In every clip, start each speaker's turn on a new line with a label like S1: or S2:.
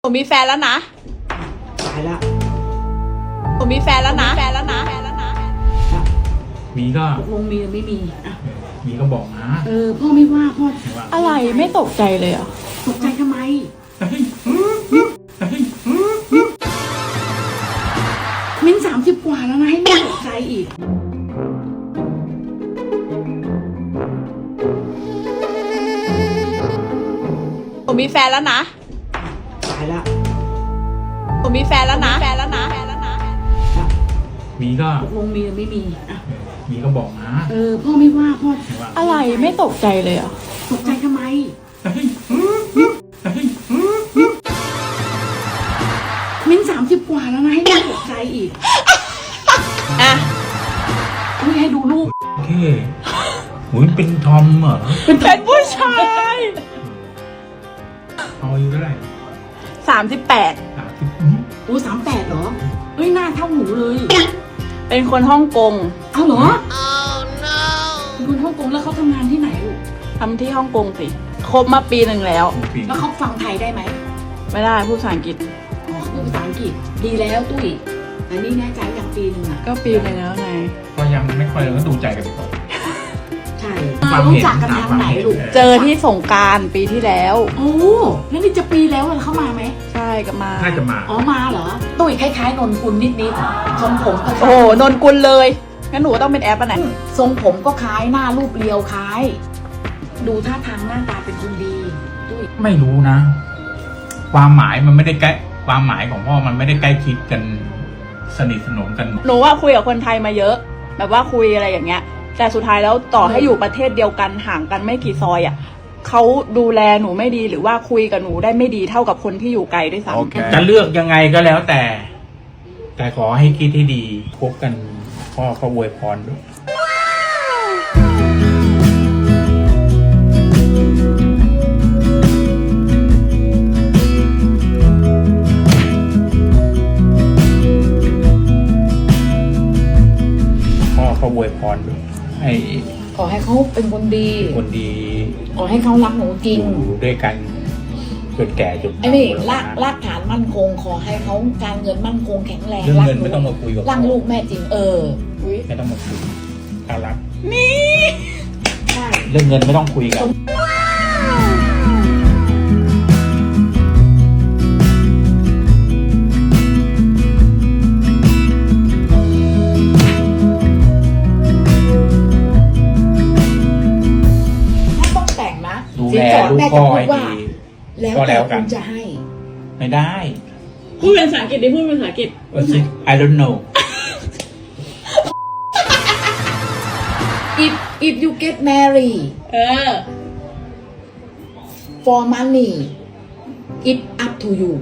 S1: ผมมีแฟนแล้วนะ
S2: ตายละ
S1: ผมมีแฟนแล้วนะ
S3: มีก็
S2: ตกลงมีหรือไม่มีอ่ะ
S3: มีก็บอกนะ
S2: พ่อไม่ว่าพ่อ
S1: อะไรไม่ตกใจเลยอ่ะ
S2: ตกใจทำไมมิ้น30 กว่าแล้วนะให้แม่ตกใจอีก
S1: ผมมีแฟนแล้วนะ
S2: ตายละ
S1: ผมมีแฟนแล้วนะ
S3: มีก็
S2: ตกลงมีหรือไม่มีอ่ะ
S3: มีก็บอกนะ
S2: พ่อไม่ว่าพ่อ
S1: อะไรไม่ตกใจเลยอ่ะ
S2: ตกใจทำไมมิ้น30 กว่าแล้วนะให้แม่ตกใจอีก
S1: อ่ะ
S2: ไม่ให้ดูรูป
S3: โอเคหุยเป็นทอมเหรอ
S1: เป็นผู้ชาย
S3: เอาอยู่เท่าไหร่
S1: 38
S2: โอ้38เหรอเฮ้ยหน้าเท่าหนูเลย
S1: เป็นคนฮ่องกง
S2: เอาเหรอเป็นคนฮ่องกงแล้วเขาทำงานที่ไหนลูก
S1: ทำที่ฮ่องกงสิคบมาปีหนึ่งแล้ว
S2: เขาฟังไทยได้ไหม
S1: ไม่ได้พูดภาษาอังกฤษ
S2: อ๋อพูดภาษาอังกฤษดีแล้วตุ้ยแต่นี่แน่ใจอย่างปีหนึ่งอ่ะ
S1: ก็ปีหนึ่งแล้วไง
S3: ก็ยังไม่ค่อยเลยก็ดูใจกันไปก่อน
S2: ใช่รู้จักกันทางไหนลูก
S1: เจอที่สงกรานต์ปีที่แล้ว
S2: โอ้แล้วนี่จะปีแล้วเขามาไหม
S1: ใช่ก็มา
S3: น่าจะมา
S2: อ๋อมาเหรอตุ้ยคล้ายๆนนกุลนิดๆทรงผมก็
S1: โอ้นนกุลเลยงั้นหนูต้องเป็นแอปอ่ะไหน
S2: ทรงผมก็คล้ายหน้ารูปเรียวคล้ายดูท่าทางหน้าตาเป็นคนดีตุ้ย
S3: ไม่รู้นะความหมายมันไม่ได้ใกล้ความหมายของพ่อมันไม่ได้ใกล้ชิดกันสนิทสนมกัน
S1: หนูว่าคุยกับคนไทยมาเยอะแบบว่าคุยอะไรอย่างเงี้ยแต่สุดท้ายแล้วต่อให้อยู่ประเทศเดียวกันห่างกันไม่กี่ซอยอ่ะเขาดูแลหนูไม่ดีหรือว่าคุยกับหนูได้ไม่ดีเท่ากับคนที่อยู่ไกลด้วยซ้ำ
S3: จะเลือกยังไงก็แล้วแต่ขอให้คิดให้ดีคบกันพ่อเขาอวยพรด้วยพ่อเขาอวยพรด้วย
S2: ขอให้เขาเป็นคนดีขอให้เขารักหนูจริง
S3: อยู่ด้วยกันจนแก่จน
S2: ไอ้นี่รากฐานมั่นคงขอให้เขาการเงินมั่นคงแข็งแรง
S3: เรื่องเงินไม่ต้องมาคุยกับ
S2: รักลูกแม่จริง
S3: ไม่ต้องมาคุยถ้ารัก
S1: นี่
S2: ใช่
S3: เรื่องเงินไม่ต้องคุยกันดูแลลูกพ่อให้ดี
S2: ก็แล้วกันจะให้
S3: ไม่ได้
S1: พูดเป็นภาษาอังกฤษดิพูดเป็นภาษาอังกฤษ
S3: I don't know
S2: if you get married for money it's up to you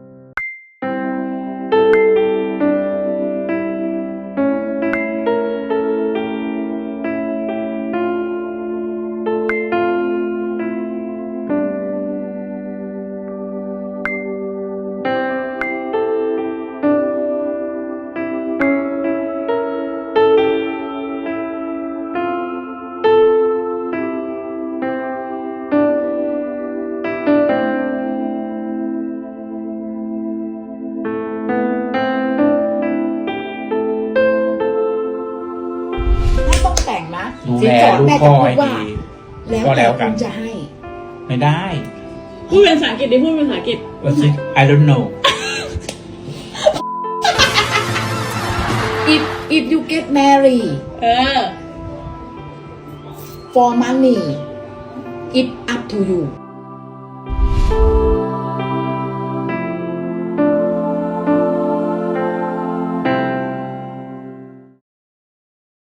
S2: แต่งนะ
S3: ดูแลลูกพ่อให้ดีก็แล้วกัน
S2: จะให้
S3: ไม่ได้
S1: พูดเป็นภาษาอังกฤษดิพูดเป็นภาษาอังกฤษ
S3: I don't know
S2: if you get married for money it's up to you